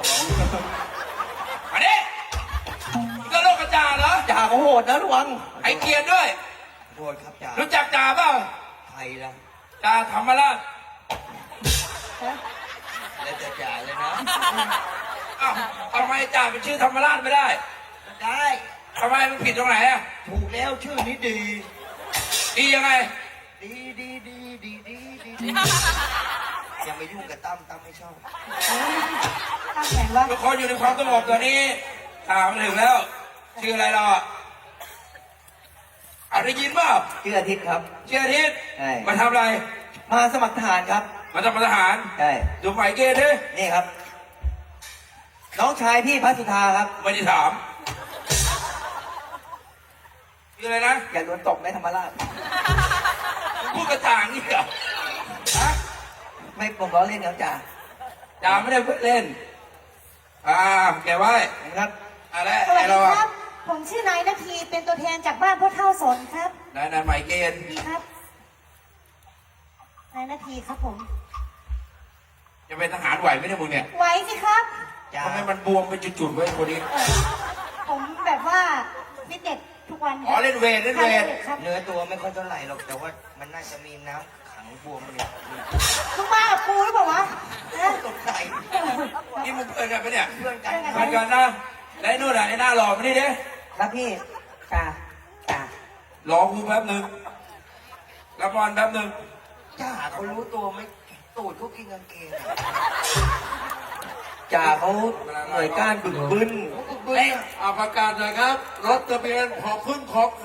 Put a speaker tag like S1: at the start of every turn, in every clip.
S1: อันนี้ก็โลกกระจาเหรอ
S2: จ่าเขาโหดนะระวัง
S1: ไอเกียร์ด้วย
S2: โหดครับจ่า
S1: รู้จักจ่าเปล่า
S2: ใครล่ะ
S1: จ่าธรรมราช
S2: แล้วจะจ่าเลยนะ
S1: อ้าวทำไมจ่าเป็นชื่อธรรมราชไม่ได้
S2: ได้
S1: ทำไมมันผิดตรงไหนอ่ะ
S2: ถูกแล้วชื่อนี้ดี
S1: ดียังไง
S2: ดีอย่าไปยุ่งกับตั้มไม่ชอบ
S3: ตั้งแต่ว่า
S1: ทุกคนอยู่ในความสงบตอนนี้ถามมาถึงแล้ว ชื่ออะไรเราอ่ะได้ยินเปล่า
S2: ชื่ออาทิตย์ครับ
S1: ชื่ออาทิตย์
S2: ใช่
S1: มาทำอะไร
S2: มาสมัครทหารครับ
S1: มาทำทหาร
S2: ใช่
S1: ดูหมายเกณฑ์ดิ
S2: นี่ครับ น้องชายพี่พัสุธาครับ
S1: ไม่ได้ถามชื่ออะไรนะ
S2: อย่าโดนตบในธรรมราช
S1: พูดกระจ่างนี่เหรอฮะ
S2: ไม่ผมล้อเล่นครับจ่า
S1: จ่าไม่ได้เล่นแกไว้
S2: ครับ
S1: อะไร
S3: สวัส
S1: ไอ
S3: ดี
S1: เรา
S3: ครับ ผมชื่อนายนาทีเป็นตัวแทนจากบ้านพ่อเท่าสนครับ
S1: นายหมายเกณฑ์
S3: ดีครับนายนาทีครับผม
S1: จะเป็นทหารไหวไหมเนี่ยมึงเนี่ย
S3: ไหวสิครับ
S2: จ่า
S1: ทำไมมันบวมเป็นจุดๆไว้คนนี้
S3: ผมแบบว่าฟิตเนสทุกวัน
S1: อ๋อเล่นเวทเล่นเวท
S3: ครับ
S2: เนื้อตัวไม่ค่อยเท่าไหร่หรอกแต่ว่ามันน่าจะมีน้ำขังบวมเนี่ย
S3: มึงมากับกูหรือเปล่าวะนะ
S2: ตกใจ
S1: นี่มึงเพื่อนกันปะเนี่ย
S2: เพื่อนกัน
S1: เพื่อนกันนะแล้วไอ้นู่นอ่ะไอ้หน้าหล่อมานี่ดิ
S2: ครับพี่จ่าร
S1: อกูแป๊บนึงรับบอลแป๊บนึง
S2: จ่าเขารู้ตัวไหมตูดเขากินกางเกงจ่าเขาหน่วยก้านบึกบึน
S1: เอ้ย
S4: ประกาศหน่อยครับ รถทะเบียนพอพึ่งขอไข่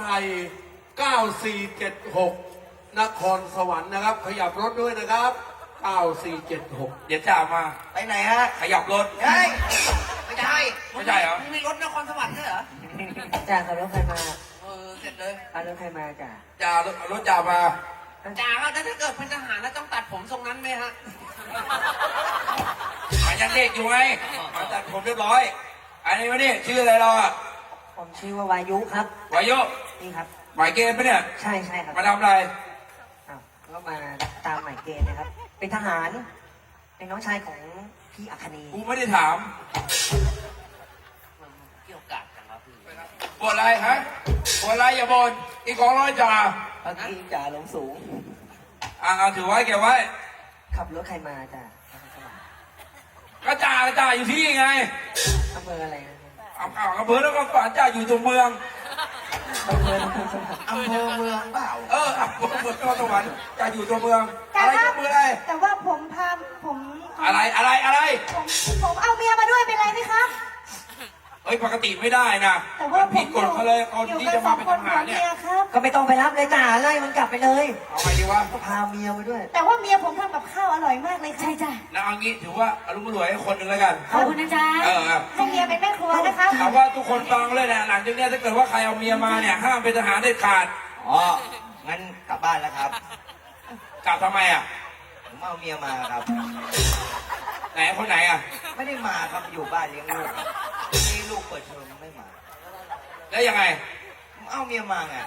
S4: 9476 นครสวรรค์นะครับ ขยับรถด้วยนะครับ 9476
S1: เดี๋ยวจ่ามา
S2: ไปไหนฮะ
S1: ขยับรถ
S2: เฮ้ยไม่ใช่
S1: ไม่ใช่เหรอ
S2: มีรถนครสวรรค์ด้วยเหรอ
S5: จ่าขับรถใครมา
S2: เสร็จเลย
S5: เอารถใครมาจ่า
S1: จ่ารถจ่ามา
S2: จ่าครับแล้วถ้าเกิดเป็นทหารแล้วต้องตัดผมทรงนั้นไหมฮะ
S1: ยังเด็กอยู่ไงมาตัดผมเรียบร้อย อันนี้วะนี่ชื่ออะไรเราอ่ะ
S5: ผมชื่อว่าวายุครับ
S1: วายุ
S5: นี่ครับ
S1: หมายเกณฑ์ปะเนี่ย
S5: ใช่ใช่ครับ
S1: มาทำอะไร
S5: อ้าวก็มาตามหมายเกณฑ์นะครับ เป็นทหาร เป็นน้องชายของพี่อัคนี
S1: กูไม่ได้ถาม
S2: เกี่ยวกาดกันครับพี่
S1: บนอะไรฮะบนอะไรอย่าบนอีกของร้อยจ่า
S5: เมื่อกี้จ่าลงสูง
S1: เอาถือไว้เก็บไว้
S5: ขับรถใครมาจ่า
S1: ก็จ่าอยู่ที่ไง
S5: อำเภออะไรนะ
S1: เอากระเบื้องแล้วก็ฝันจ่าอยู่ตัวเมือง
S5: อำเภอ
S2: อำเภอเมืองเปล่า
S1: อำเภอเมืองนครสวรรค์จ่าอยู่ตัวเมือง
S3: แต่
S1: อะไร
S3: ว่า
S1: ตัวเมืองอะไร
S3: แต่ว่าผมพาผม
S1: อะไร
S3: ผมเอาเมียมาด้วยเป็นไรไหมครับ
S1: เฮ้ยปกติไม่ได้นะ
S3: แต่ว่าผ
S1: ผิ
S3: ม
S1: ดกฎเขาเลยคน
S3: อยู่
S1: ที่
S3: กั
S1: จะ
S3: นส
S1: มา
S3: อง
S1: เป็น
S3: คน
S1: ท
S3: ผั
S1: หาว รเนี่ย
S3: เมียครับ
S5: ก็ไม่ต้องไปรับเลยจ่าไล่มันกลับไปเลย
S1: เอาไงดีวะ
S5: ก็พาเมียไปด้วย
S3: แต่ว่าเมียผมทำกับข้าวอร่อยมากเลยใช่จ้ะ
S1: นะเอางี้ถือว่าอารมณ์รวยให้คนหนึ่งแล้วกัน
S3: ขอบคุณนะจ๊ะ ให้เมียเป็นแม่ครัวนะครับ
S1: ถามว่าทุกคนฟังเลยนะหลังจากเนี้ยถ้าเกิดว่าใครเอาเมียมาเนี่ยห้ามเป็นทหารเด็ดขาด
S2: อ๋อ งั้นกลับบ้านแล้วครับ
S1: กลับทำไมอ่ะ
S2: ผมเอาเมียมาครับ
S1: ไหนคนไหนอ่ะ
S2: ไม่ได้มาครับอยู่บ้านเลี้ยงลูกครับนี่ลูกเปิดเทอมไม่มา
S1: แล้วยังไง
S2: ผมเอาเมียมาไง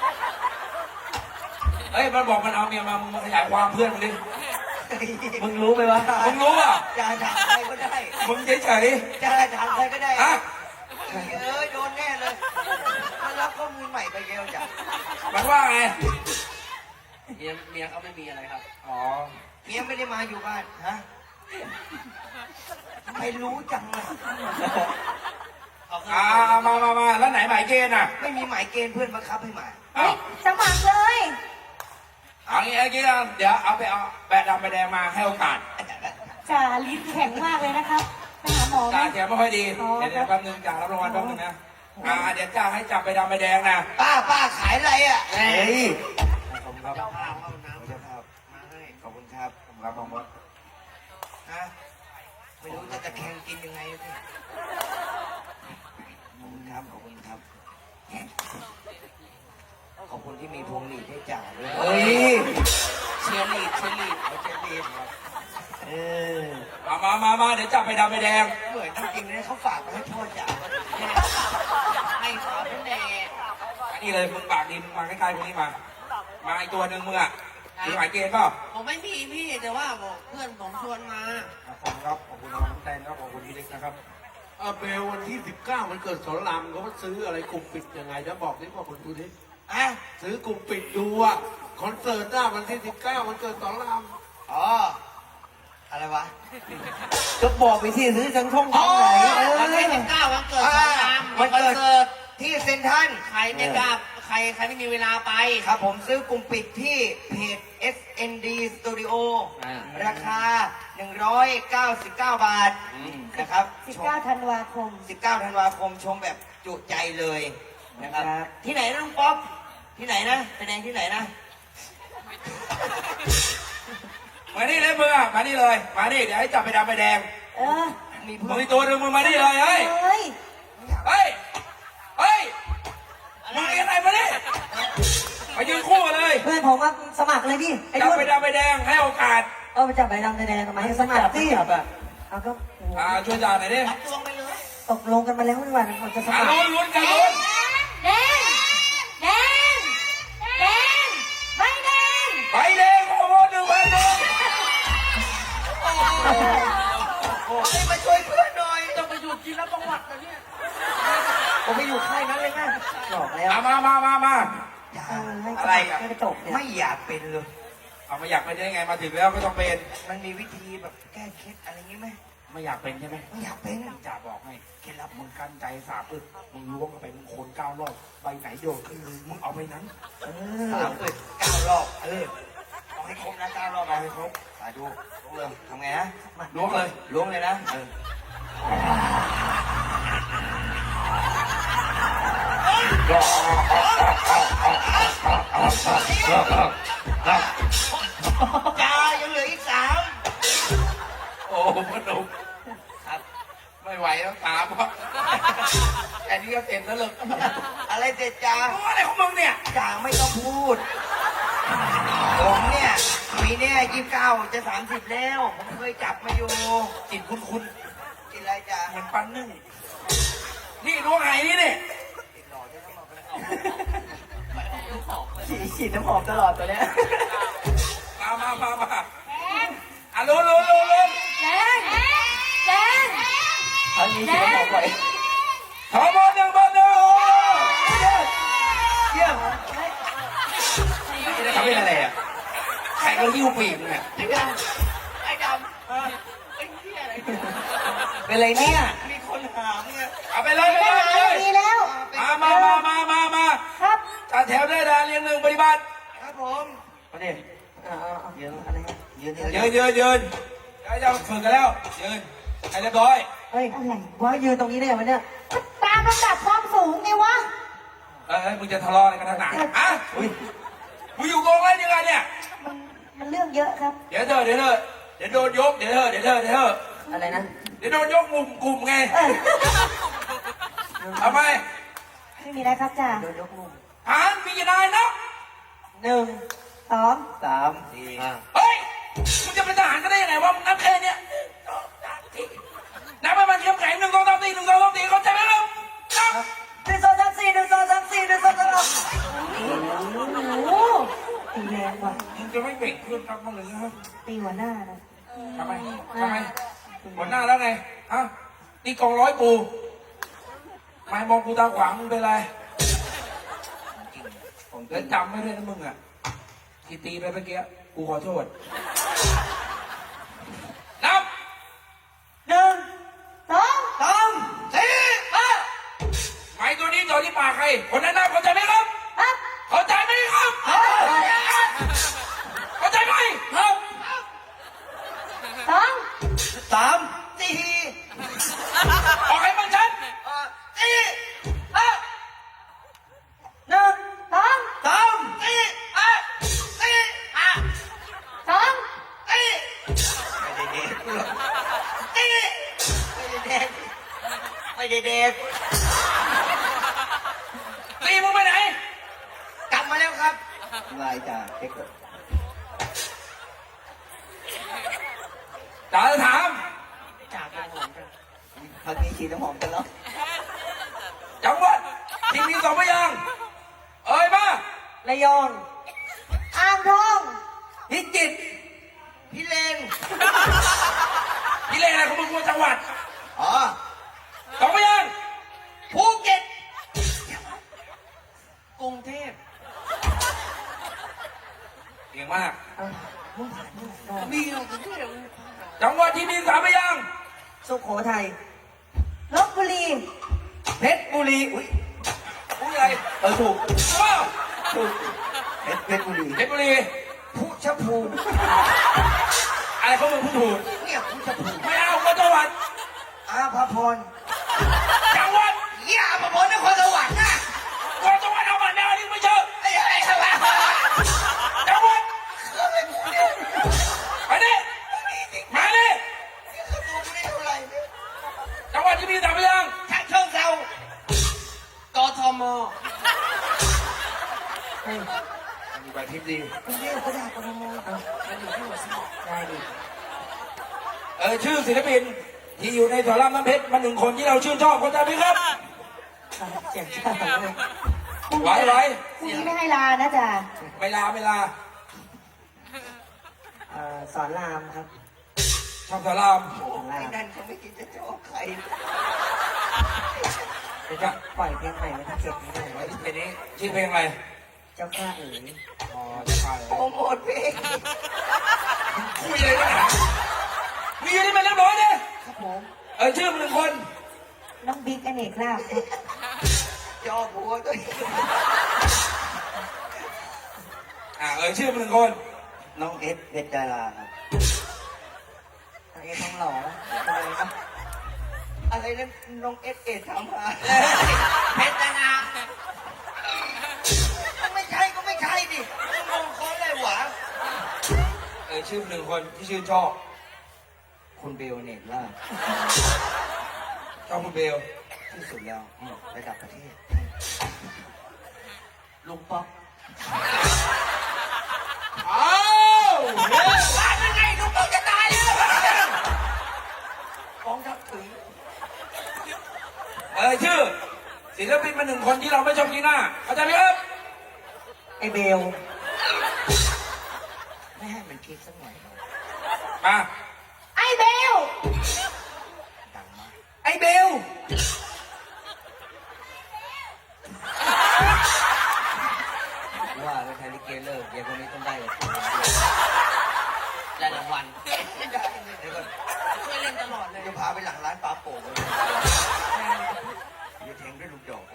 S1: เฮ้ยมันบอกมันเอาเมียมามึงมาขยายความเพื่อนมึงดิ
S5: มึงรู้ไหมวะ
S1: มึงรู้อ่ะ
S2: จะถามใครก็ได้
S1: มึงเฉย
S2: จะถามใครก็ได้
S1: ๆอ่ะ
S2: โดนแน่เลยมารับข้อมูลใหม่ไปเร็วจ้ะ
S1: มันว่าไง
S2: เมียเขาไม่มีอะไรครับ
S1: อ๋อ
S2: เมียไม่ได้มาอยู่บ้าน ฮะไม่รู้จังเลย
S1: มาแล้วไหนหมายเกณฑ์อ่ะ
S2: ไม่มีหมายเกณฑ์เพื่อนบังคับให้มา
S1: อ้าว
S3: สมัครเลย
S1: เอางี้เดี๋ยวเอาแบะดำแบะแดงมาให้โอกาส
S3: จ่าลิ้นแข็งมากเลยนะครับไปหาหมอไหม
S1: จ่าแกไม่ค่อยดี
S3: อ๋อ
S1: เดี๋ยวแป๊บนึงจ่ารับรางวัลแป๊บนึงนะเดี๋ยวจ่าให้จับไปดำไปแดงนะ
S2: ป้าขายอะไรอ่ะ
S1: เฮ้ย
S2: ขอบคุณครับเจ้าภาพเข้าน้ำเจ้าภาพมาให้ขอบคุณครับ
S1: ครับผมว่า
S2: ฮะไม่รู้จะตะแคงกินยังไงพี่ขอบคุณครับ ขอบคุณครับ ขอบคุณที่มีพวงหลีดให้จ่าด้วย
S1: เฮ้ย
S2: เชียร์ลีดไม่ใช่ลีดครับเออ
S1: มาเดี๋ยวจับไปดำไปแดง
S2: เหมือนจริงๆเนี่ยเขาฝากมาให้พ่อจ่าให้ฝากแน่
S1: อันนี้เลยมึงปากดีมึงมาใกล้ๆพวกนี้มาอีกตัวหนึ่งมึงอ่ะถือหมายเกณฑ์เปล่า
S2: ผมไม่มีพี่แต่ว่าบอกเพื่อนผมชวนมา
S1: ขอบคุณครับขอบคุณน้องแตนครับขอบคุณที่เลี้ยงนะครับ
S4: เบลวันที่ 19 มันเกิดสอนรามเขาซื้ออะไรกลุ่มปิดยังไงนะบอกนี่บอกคนดูดิ
S2: อ่ะ
S4: ซื้อกลุ่มปิดดูอ่ะคอนเสิร์ตหน้าวันที่ 19 มันเกิดสอนราม
S2: อ๋ออะไรวะ
S5: ก็บอกไปสิซื้อทั้งช่องทางไหน
S2: วันที่19วันเกิดสอนรามวันเกิดที่เซ็นทรัลใครไม่กล้าใครไม่มีเวลาไปครับผมซื้อกลุ่มปิดที่เพจ SND Studio ราคา 199 บาทนะครับ
S3: 19 ธันวาคม
S2: 19 ธันวาคมชมแบบจุใจเลยนะครับ ที่ไหนนะลุงป๊อปที่ไหนนะแสดงที่ไหนนะ
S1: มานี่เลยมึงอ่ะมานี่เลยมานี่เดี๋ยวให้จับไปดำไปแดง
S3: เออ
S2: มี
S1: มึ
S2: เพื่
S1: ง
S2: อน
S1: มีตัวหนึงมึงมานี่เลยเฮ้ย
S3: เฮ้ย
S1: เฮ้ยเฮ้ยมึงมีอะไรมาเนี่ยมายืนคู่กันเลย
S5: เพื่อนผมมาสมัครเลยดิไอ้
S1: จับ
S5: ด้ว
S1: ไป
S5: ย
S1: ดำไปแดงให้โอกาส
S5: ไปจับใบดำใบแดงทำไมให้สมัครสิเอาก็โอ้โห
S1: ช่วยจ่าหน่อยดิ
S2: รับตัวไปเลย
S5: ตกลงกันมาแล้วนี่หว่ามันจะสมัคร
S1: ลุ้นกันลุ้น
S3: แดง แดง แดง ใบแดง
S1: ไปแดงโอ้โห1,000ดวง
S2: โอ้ยมาช่วยเพื่อนหน่อย
S1: ต้องไปอยู่กินแล้วประวัตินะเนี่ย
S5: ผมไม่อยู่ค่ายนั้นเลยนะบอกแล้ว
S1: มา
S5: ให้
S1: อะไรอ่ะ
S5: ให้กระจกเนี่ย
S2: ไม่อยากเป็นเลย
S1: เอามาอยากเป็นได้ไงมาถึงแล้วไม่ต้องเป็น
S2: มันมีวิธีแบบแก้เคล็ดอะไรงี้ไหม
S1: ไม่อยากเป็นใช่ไหม
S2: ไม่อยากเป็น
S1: จ่าบอกให้เคล็ดลับมึงกั้นใจสาบมึงล้วงเข้าไปมึงโคน9 รอบใบไหนโยนขึ้นมือมึงเอาไปนั้น
S2: 9 รอบเอาให้ครบนะ9 รอบเอาให้ครบสาธุล้วงเลยทำไงนะ
S1: ล้วงเลย
S2: ล้วงเลยนะจ้ายังเหลืออีก3
S1: โอ้พนม
S2: ครับ
S1: ไม่ไหวแล้วตามเพราะแค่นี้ก็เต็มแล้วเลย
S2: อะไรเสร็จจ้า
S1: อะไรของมึงเนี่ย
S2: จ่าไม่ต้องพูด ผมเนี่ยปีเนี้ย29จะ30แล้ว ผมเคยจับมาอยู่
S1: กินคุ้น
S2: กินอะไรจ้า
S1: ๆเหมือนปันนึ่งนี่ล้วงไหนี่นี่
S5: ฉีดน้ำหอมตลอดตัวเนี้ย
S1: มาอ่ะลุ้น
S3: แดง แดง
S5: เอานี้ฉีดน้ำหอมบ่อย
S1: ขอบอลหนึ่งโอ้เยี่ยมนี่เขาเป็นอะไรอ่ะใครก็หิ้วปีกเนี่ย
S2: ไอ้ดำไอ้เหี้ยอะไรเนี่ย
S5: เป็นไรเนี่ย
S2: มีคนหามเนี่ย
S1: เอาไปเลย
S3: ดีแล้ว
S1: มา
S3: ครับ
S1: จัดแถวได้ดาเรียงหนึ่งปฏิบัติ
S2: ครับผม
S1: มาดิ
S5: เดี๋ยวอะไร
S2: ยืน
S1: ยืนแล้วจะฝึกกันแล้วยืนให้เรียบร้อย
S5: เฮ้ยว่ายืนตรงนี้ได้ไหมเนี่ย
S3: ตามลำดับความสูงไงวะ
S1: มึงจะทะเลาะอะไรกันทางไหนอ่ะมึงอยู่กองอะไรยังไงเนี่ย
S3: มันเรื่องเยอะครับ
S1: เดี๋ยวโดนยกเดี๋ยว
S5: อะไรนะ
S1: เดี๋ยวโดนยกมุมกลุ่มไงทำไม
S3: ไม่มีอะไรครับจ่า
S5: โดนยกมุม
S1: หานมีกี่นายนะ
S3: 2
S5: 3
S1: เฮ้ยมึงจะเป็นทหารก็ได้ยังไงวะมึงนับแค่เนี้ยนับไปมันเข้มแข็ง1 2 3 4 1 2 3 4เข้าใจไหมครับนับ
S5: 1 2 3 4 1 2 3 4 1 2 3
S3: โอ้โหตีแรงว่ะ
S1: มึงจะไม่เบ่งเพื่อนครับมึงเลยครับ
S3: ตีหัวหน้านะ
S1: ทำไมหัวหน้าแล้วไงฮะนี่กองร้อยปูไม่มองกูตาขวางมึงเป็นไรผมจะจำไม่ได้นะมึงอ่ะที่ตีไปเมื่อกี้กูขอโทษนับ
S3: 1 2
S2: 3 4
S1: ไม้ตัวนี้จ่อที่ปากใครคนนั้นนับเข้าใจไหมครับ
S3: ครับ
S1: เข้าใจไหมครับเข้าใจไหมครับ
S3: 2
S2: 3 4
S1: ออกให้มันชัด
S2: 4
S3: 1 2
S2: 3 4
S3: 2
S2: ไม่ได้เด็ก
S1: ตีมึงไปไหน
S2: กลับมาแล้วครับ
S5: ลายจ่าเช็ค
S1: จ๋าจะถาม
S2: จากกันหอมกัน
S5: พักนี้ฉีดน้ำหอมกันแล้ว
S1: จังหวัดที่มี2 พยางค์เอ่ยมา
S5: ระยอง
S3: อ่างทอง
S1: พิจิตร
S2: พี่เลน
S1: พี่เลขอะไรของมึงกูจังหวัด
S2: อ๋อ
S5: สุโขทัย
S3: ลบบุรี
S5: เพชรบุรี อุ้ย
S1: อุ้ยอะไร
S5: ถูก
S1: ว้าว
S5: ถูกเพชรบุรี
S1: เพชรบุรี
S2: ผู้ชภูมิ
S1: อะไรเขามึงพูดถูก
S2: เนี่ยผู้ชภูมิ
S1: ไม่เอาก็จังหวัด
S2: อาภพร
S1: จังหวัด
S2: เยี่ยอาภพรนครสวรรค์นะ
S1: ก็จังหวัดเอามาแนวนี้ไม่เชื่อ
S2: ไอ้อะไรครับวะ
S1: จังหวัดไปดิมาดิ
S2: ตัวไม่ได้เท่าไหร่เนี่ย
S1: จังหวัดที่มีสามพยางค์
S2: ฉะเชิงเทรากทม
S1: มีใบทิพย์ดี
S2: กรุงเทพก็ได้กทม
S5: ได้ดิ
S1: ชื่อศิลปินที่อยู่ในสอนรามน้ำเพชรมาหนึ่งคนที่เราชื่นชอบเข้าใจไหมครับ
S5: เสียงชาติเลย
S1: ไหวไหว
S3: พรุ่งนี้ไม่ให้ลานะจ๊ะ
S1: ไม่ลาไม่ลา
S5: สอนรามครับ
S1: ชอบสอนราม
S5: สอนรา
S2: ไอ้
S5: ม
S2: นั่นเขาไม่คิดจะชอบใคร
S5: เดี๋ยวจะปล่อยเพลงใหม่วันที่7นี้ด้วย
S1: เพลงนี้ชื่อเพลงอะไร
S5: เจ้าข้าเอ๋ย
S1: อ๋อจะพาเลย
S2: โปรโมทเพลง
S1: คุยเลยนะมีอยู่ที่มันเรียบร้อยเนี่ย
S2: ครับผม
S1: ชื่อมันหนึ่งคน
S3: น้องบิ๊กอเนกลาบครับ
S2: จอหัวด้วย
S1: ชื่อมันหนึ่งคน
S2: น้องเอสเพชรดาราครับ
S5: ไอ้ทองหล่ออะไรนะ
S2: อะไรนั้นน้องเอสทำมา
S1: เพชรดารา
S2: ไม่ใช่ก็ไม่ใช่ดิงงเขาเลยหวะ
S1: ชื่อมันหนึ่งคนที่ชื่นชอบ
S2: คุณเบลเนตล่า
S1: ชอบคุณเบล
S2: ที่สุดแล้วระดับประเทศลุงป๊อก
S1: อ้าว
S2: ตายยังไงลุงป๊อกจะตายเลยฟ้องทับถึง
S1: ชื่อศิลปินมาหนึ่งคนที่เราไม่ชอบกีหน้าเข้าใจไหมครับ
S5: ไอ้เบล
S2: ไม่ให้มันคิดสักหน่อย
S1: มา
S3: ไอ้เบล
S2: ดังมาก
S1: ไอ้เบล
S2: ว่าเป็นไทยลิเกเลิกเดี๋ยวคนนี้ต้องได้กับคุณได้รางวัลเดี๋ยวก่อนช่วยเล่นตลอดเลยจะพาไปหลังร้านปลาโป่งเลยเดี๋ยวแทงด้วยลูกดอก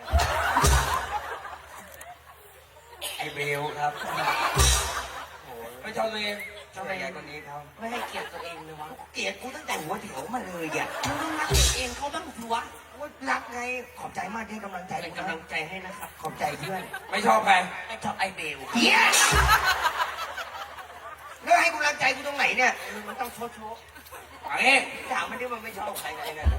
S1: ไอ้เบลครับไม่ชอบตัวเอง
S2: ทำไมยายคนนี้เขาไม่ให้เกียรติตัวเองเลยวะเกลียดกูตั้งแต่หัวแถวมาเลยอ่ะมึงต้องรักเองเขาบ้างสิวะรักไงขอบใจมากที่ให้กำลังใจเป็นกำลังใจให้นะครับขอบใจเพื่อน
S1: ไม่ชอบใคร
S2: ไม่ชอบไอเบลเฮียแล้วให้กำลังใจกูตรงไหนเนี่ยมันต้องโชว์
S1: อันนี้
S2: ถามมันดิมันไม่ชอบใครไงเนี่ย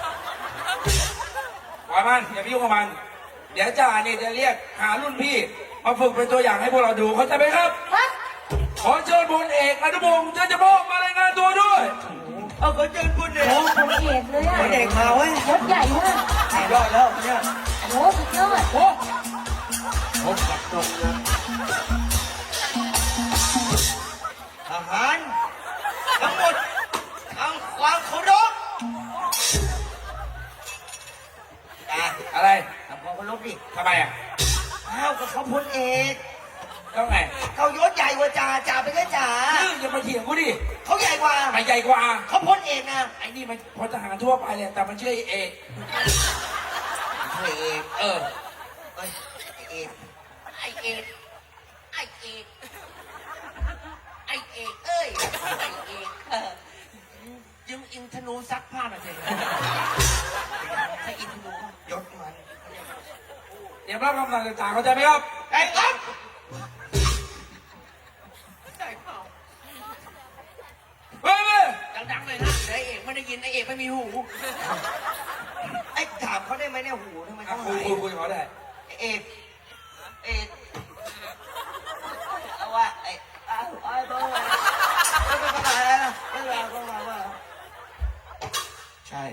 S1: ปล่อยมันอย่าไปยุ่งกับมัน เดี๋ยวจ่าเนี่ยจะเรียกหารุ่นพี่มาฝึกเป็นตัวอย่างให้พวกเราดูเข้าใจไหมครับ
S3: ครับ
S1: ขอเชิญพลเอกอนุพงศ์เจริญจโมกมารายงานตัวด้วย
S2: เอาขอเชิญคุณเด็ก
S3: โอ้ผมเอกเลยอ่ะ
S2: เด็กมาเว้ย
S3: ยศใหญ่มาก
S2: ยอดแล้วเนี่ย
S3: โอ้สุดยอด
S1: โอ้
S2: พบกับนกนะทหารทั้งหมดทำความเคารพอ่ะ
S1: อะไร
S2: ทำความเคารพดิ
S1: ทำไมอ่ะ
S2: อ้าวกับเขาพลเอก
S1: แล้วไง
S2: เขายศใหญ่กว่าจ่าจ่าเป็นแค่จ่า
S1: อย่ามาเถียงกูดิ
S2: เขาใหญ่กว่า
S1: ไปใหญ่กว่า
S2: เขาพลเอกนะ
S1: ไอ้นี่มันพลทหารทั่วไปเลยแต่มันชื่อเอก
S2: พลเอก
S1: เออ
S2: เอ้ยเอกไอเอกไอเอกไอเอกเอ้ยไอเอกยืมอินทนูซักผ้าหน่อยสิใช้อินทนูยศมัน
S1: เดี๋ยวรับคำสั่งจากจ่าเข้าใจไหมครับ
S2: ไอ้ครับได้เปล่า
S1: เฮ้ยเว้ย
S2: ดังๆเลยนะไอเอกไม่ได้ยินไอเอกไม่มีหูไอ้ถามเขาได้ไหมเนี่ยหูทำไม
S1: อ่ะ
S2: เขา
S1: คุย
S2: หาย
S1: คุยเขาได้
S2: เอกเอาว่าไอ้ต้องมาไม่เป็นไรนะไม่เป็นไรต้องมาว่าใช่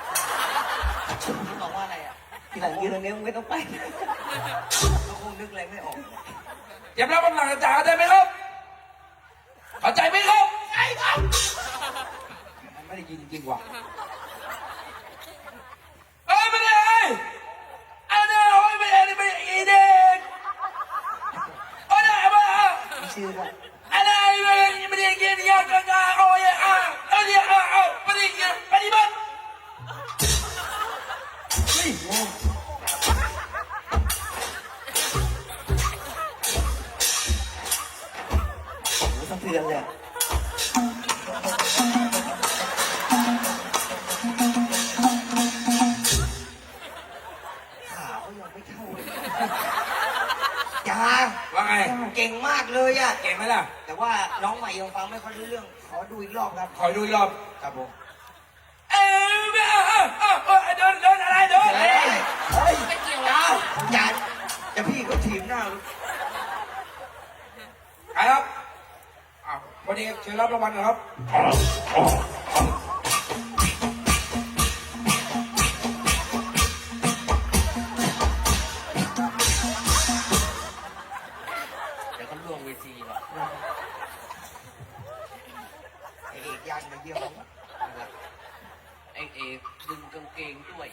S2: บอกว่าอะไรอ่ะ
S5: ทีหลังยืนตรงนี้มึงไม่ต้องไป
S2: ก็คงนึกอะไรไม่ออก
S1: เดี๋ยวรับคำสั่งจากจ่าเข้าใจไหมครับเข้าใจไหมครับ
S2: ใช่ครับ
S1: มันไม่ได้ยินจริงๆว่ะเอ้ยไม่ได้ไอ้เนี่ยโอ้ยไม่ได้ไม่ได้อีเด็กโอ้ยไม่ได้
S5: มีชื่อด้วย
S1: อะไรไม่ได้กินยากงาโอ้ยไม่ได้ไม่ได้กินปฏิบัติ
S5: โอ้โหสะเทือนเลยอะขาเขายังไม่เท่าเลยจ้า
S1: ว่าไง
S2: เก่งมากเลยอ่ะ
S1: เก่งไหมล่ะ
S2: แต่ว่าน้องใหม่ยังฟังไม่ค่อยรู้เรื่อง ขอดูอีกรอบครับ
S1: ขอดูอีกรอบ
S2: ครับผม
S1: เอ้ยเดินอะไรเดิน
S2: เฮ้ยเฮ้ยไม่เกี่ยวแล้วอย่าจะพี่ก็ถีบหน้าลูก
S1: ใครครับอ้าววันนี้เชิญรับรางวัลหนะครับ
S2: เดี๋ยวก็ล่วงเวทีหรอกไอเอกยันมาเยี่ยมผมไอเอกดึงกางเกงด้วย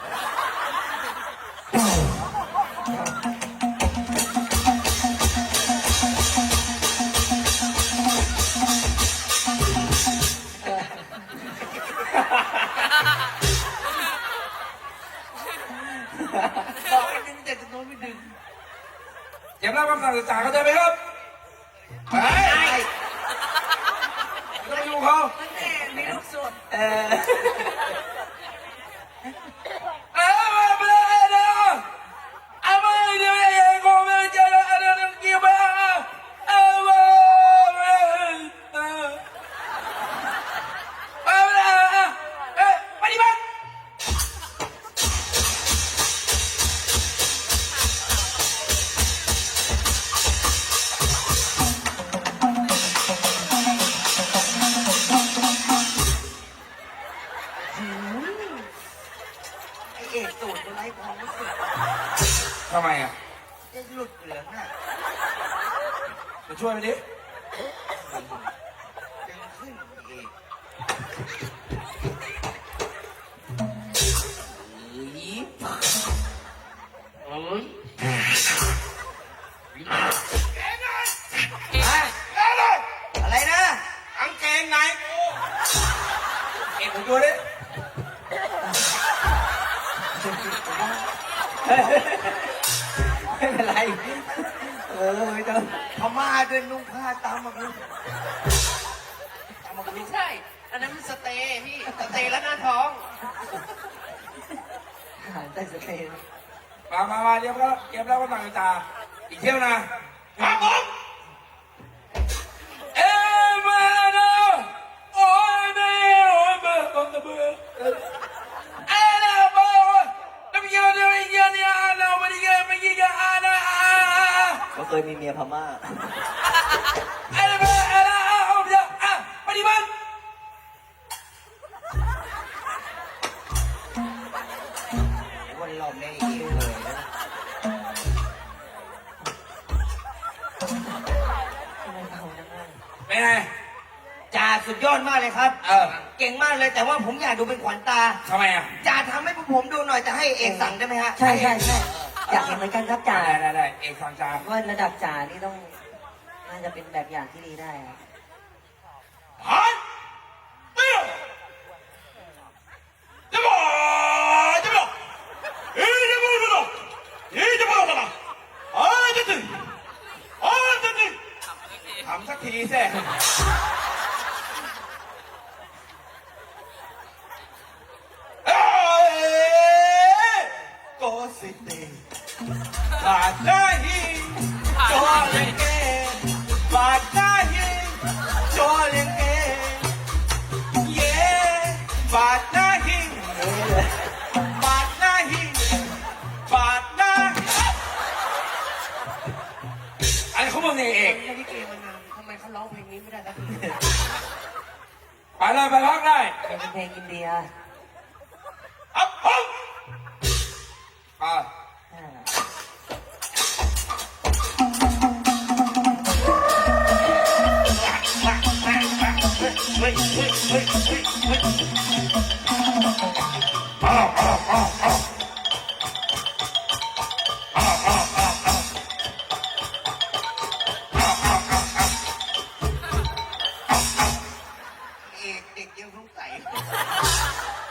S2: บอกให้ดึงแต่จะโดนไม่ดึง
S1: เก็บรับคำสั่งจากเขาเจอไหมครับไปไม่ต้องอยู่เขา
S2: มีลูกส่วน
S5: เออ
S1: ไปเลยเดี๋ยวเอาไปเดี๋ยวยังคงไม่เจอเดี๋ยวกี่บ้าปฏิบัติ
S2: ไอเอกสูตรอะไรความรู้สึก
S1: ทำไมอ่ะ
S2: จะหลุดเหลืองน่ะ
S1: มาช่วยมันดิ
S2: ดึงขึ้นเอก อะไรนะ
S1: กางเกงในกูเอ็งผมดูดิ
S5: ไม่เป็นไร เออไม่ต้อง
S2: พม่าด้วยนุ่งผ้าตามมาลูกตามมาลู
S6: ไม่
S2: ก
S6: ใช่ อันนั้นมันสเตย์พี่ สเตย์แล้วหน้าท้อง
S5: อาหารใต้สเตน
S1: มาเดี๋ยวก็เก็บแล้วก็ต่างตาอีกเที่ยวนะครับผมเอ้มาเนาะโอ้ยไม่โอ้ยเบื่อเบื่อเอ้นะบ่น้ำเยอะเดี๋ยวอีกเยอะเนี่ยเราไม่ได้เยอะไม่กี่เยอะนะ
S5: ก็เคยมีเมียพม่า
S1: เอ้นะเอ้นะเอาเดี๋ยวปฏิบัติ
S2: วันรอบในเอกเลยนะ
S1: เป็นไง
S2: จ่าสุดยอดมากเลยครับ
S1: เออ
S2: เก่งมากเลยแต่ว่าผมอยากดูเป็นขวัญตา
S1: ทำไมอ่ะ
S2: จ่าทำให้พวกผมดูหน่อยจะให้เอกสั่งได้ไหมฮะ
S5: ใช่ใช่ใช่อยากเห็นเหมือนกันครับจ่า
S1: ได้เอกสั่งจ่า
S5: ว่าระดับจ่านี่ต้องน่าจะเป็นแบบอย่างที่ดีได้อะ
S1: หันเตี้ยจะบอกเฮ้ยจะบอกกันหรอเฮ้ยจะบอกกันหรอจะถึงจะถึงทำสักทีสิ ก็สิเตบาดได้หิจอเลงเกบาดได้หิจอเลงเกเย่บาดได้หิบาดได้หิบาดได้อะไรเขาบอกเนี่ยเอก
S6: ไม่ได้เกมมานานทำไมเขาร้องเพลงนี้ไม่ได้สักที
S1: ไปเลยไปพักได้
S5: เป็นเพลงอินเดีย
S1: อัพฮึอ่า
S5: อ่า
S2: เอกเด็กยังสงสัย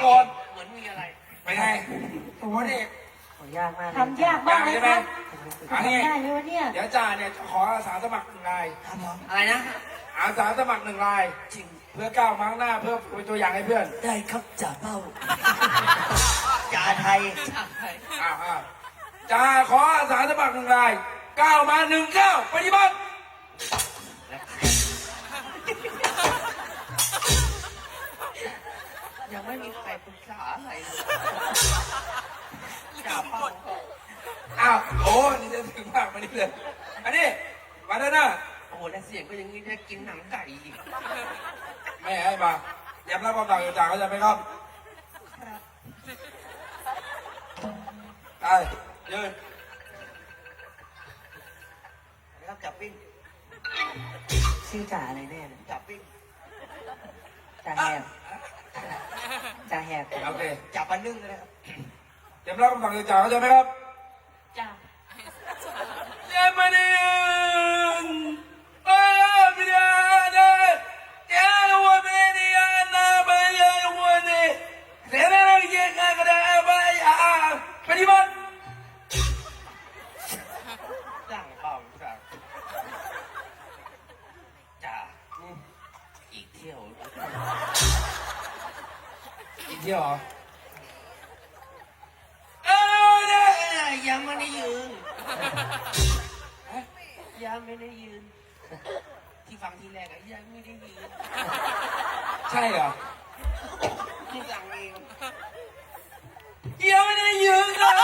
S1: ก่อน
S6: เหมือนมีอะไร
S1: ไปไงโอ้โหนี่
S5: โหยากมากเลย
S3: ทำยากมากเลยครับ
S1: อันนี้
S3: ทำได้ไหมวะเนี่ย
S1: เดี๋ยวจ่าเนี่ยขออาสาสมัคร1 ราย
S6: อะไรนะ
S1: อาสาสมัคร1 รายจริงเพื่อก้าวมาข้างหน้าเพื่อเป็นตัวอย่างให้เพื่อน
S2: ได้ครับจ่าเป้าจ่าไทย
S1: อ้าวจ่าขออาสาสมัคร1 รายก้าวมา1 ก้าวปฏิบัติ
S6: ยังไม่มีใครปรึกษาอะไรเลยจ่าเป้า
S1: อ้าวโอ้นี่จะถึงมากมานี่เลยอันนี้มาด้านหน้า
S6: โอ้โหแล้วเสียงก็อยังนี้ได้กินหนังไก่อีก
S1: ไม่ให้มาเตรียมรับคำสั่งจากเขาใจไหมครับได้ยืน
S2: นะครับจับปิ้ง
S5: ชื่อจ่าอะไรแน่เลย
S2: จับปิ้ง
S5: จ่าแหบจ่าแหบ
S1: โอเค
S2: จับปลานึ่งเลยนะครับ
S1: เตรียมรับคำสั่งจากเขาใจไหมครับ
S3: จ้า
S1: เดี๋ยวมาดิไม่ได้เดี๋ยววันนี้นะไปวันนี้เดี๋ยวเราเยี่ยงกันได้ไปปฏิบัติ
S6: สั่งเป้าสั่งจ่าอีกเที่ยว
S1: อีกเที่ยวเหรอ
S6: ยังไม่ได้ยืนยังไม่ได้ยืน ที่ฟังทีแรกอะยังไม่ได้ยืน
S1: ใช่เหรอ
S6: ที่สั่งเอง
S1: ยังไม่ได้ยืนเลย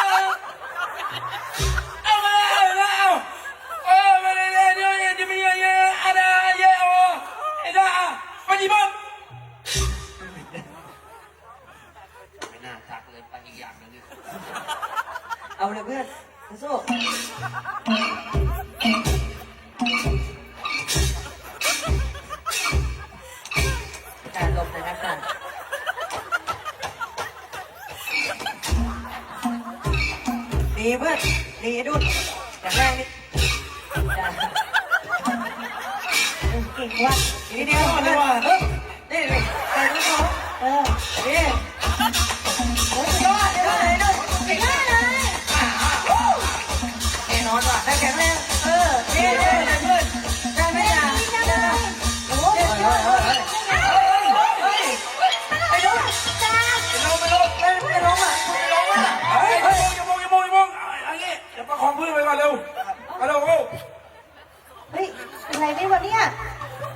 S1: เอามาเอาโอ้ไม่ได้เลยเดี๋ยวจะมีอะไรอะไรเยอะโอ้ไอ้ด่าปฏิบัติ
S6: ไม่น่าทักเลยไปอีกอย่างหนึง
S5: เอาเลยเพื่อนสู้การลมเลยนะกันดีเพื่อนดีดุดอย่างแรกนี่จ่า
S3: เก่งว่ะ
S5: ทีเดียวเลยว่ะนี่นี่แต่ลูกน้องนี่โอ้ยยอดเลยด้วย
S3: ไม่ได้เลย
S5: แน่นอนว่ะได้แข็งแรงนี่เพื่อนได้ไหมจ่า
S3: จังเลยโอ้ยยอดเลยไปดูจ้า
S5: ไม่ล้มอ่ะ
S1: เฮ้ยอย่ามองอันนี้เดี๋ยวประคองพื้นไปก่อนเร็วมาเร็ว
S3: เฮ้ยเป็นไรไหมวะเนี่ย